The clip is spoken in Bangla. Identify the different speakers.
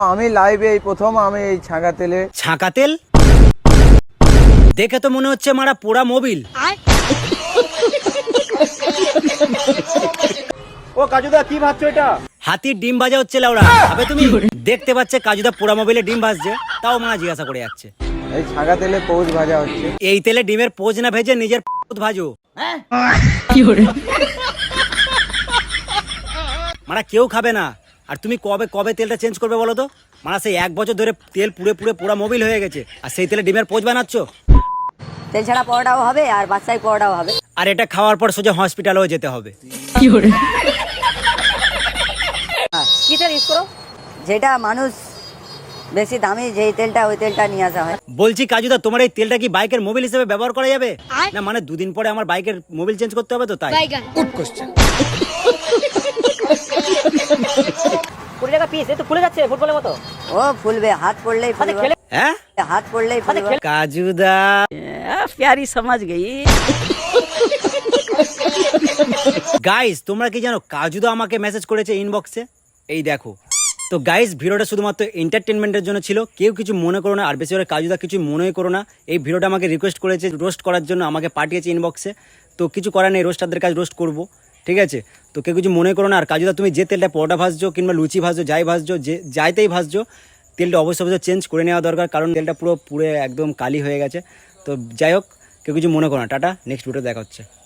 Speaker 1: আমি লাইভে এই প্রথম আমি এই
Speaker 2: ছাঁকা তেল দেখে তো মনে হচ্ছে মারা পোড়া মোবিল।
Speaker 1: ও কাজুদা কি ভাবছো এটা?
Speaker 2: হাতির ডিম ভাজা হচ্ছে লাউড়া, আবে তুমি দেখতে পাচ্ছে কাজুদা পোড়া মোবিলে ডিম ভাজছে, তাও মা জিজ্ঞাসা করে যাচ্ছে।
Speaker 1: এই ছাঁকা তেলে পৌষ ভাজা হচ্ছে।
Speaker 2: এই তেলে ডিমের পোজ না ভেজে নিজের ভাজো। মারা কেউ খাবে না। আর তুমি কবে কবে তেলটা চেঞ্জ করবে বলো তো? মারা সেই 1 বছর ধরে তেল পুড়ে পুড়ে পোড়া মোবিল হয়ে গেছে, আর সেই তেলে ডিমের পোজ বানাচ্ছ।
Speaker 3: তেল ছাড়া পরোটাও হবে আর বাচ্চাই পরোটাও হবে।
Speaker 2: আর এটা খাওয়ার পর সোজা হসপিটালেও যেতে হবে।
Speaker 3: কি তেল ইউজ করো? যেটা মানুষ বেশি দামি যেই তেলটা, ওই তেলটা নিয়ে আসা হয়।
Speaker 2: বলছি কাজুদা, তোমার এই তেলটা কি বাইকের মোবিল হিসেবে ব্যবহার করা যাবে? না মানে 2 দিন পরে আমার বাইকের মোবিল চেঞ্জ করতে হবে তো, তাই। Good question.
Speaker 3: 20 টাকা পিস, একটু ফুলে যাচ্ছে ফুটবলের মতো। ও ফুলবে, হাত পড়লেই ফুলবে।
Speaker 2: হ্যাঁ
Speaker 3: হাত পড়লেই ফুলবে।
Speaker 2: কাজুদা
Speaker 3: প্যারি সমাজ গই।
Speaker 2: গাইস তোমরা কি জানো কাজুদা আমাকে মেসেজ করেছে ইনবক্সে, এই দেখো। তো গাইস ভিডিওটা শুধুমাত্র এন্টারটেনমেন্টের জন্য ছিল, কেউ কিছু মনে করো না, আর বেশি করে কাজুদা কিছু মনেই করো না। এই ভিডিওটা আমাকে রিকোয়েস্ট করেছে রোস্ট করার জন্য, আমাকে পাঠিয়েছে ইনবক্সে, তো কিছু করার নেই, রোস্টারদের কাজ রোস্ট করবো, ঠিক আছে? তো কেউ কিছু মনে করো না। আর কাজুদা তুমি যে তেলটা পরোটা ভাজছো কিংবা লুচি ভাজছো, যাই ভাজছো, যে যাইতেই ভাজছো, তেলটা অবশ্যই চেঞ্জ করে নেওয়া দরকার, কারণ তেলটা পুরো একদম কালি হয়ে গেছে। তো যাই হোক, কেউ কিছু মনে করো না। টাটা, নেক্সট ভিডিও দেখা হচ্ছে।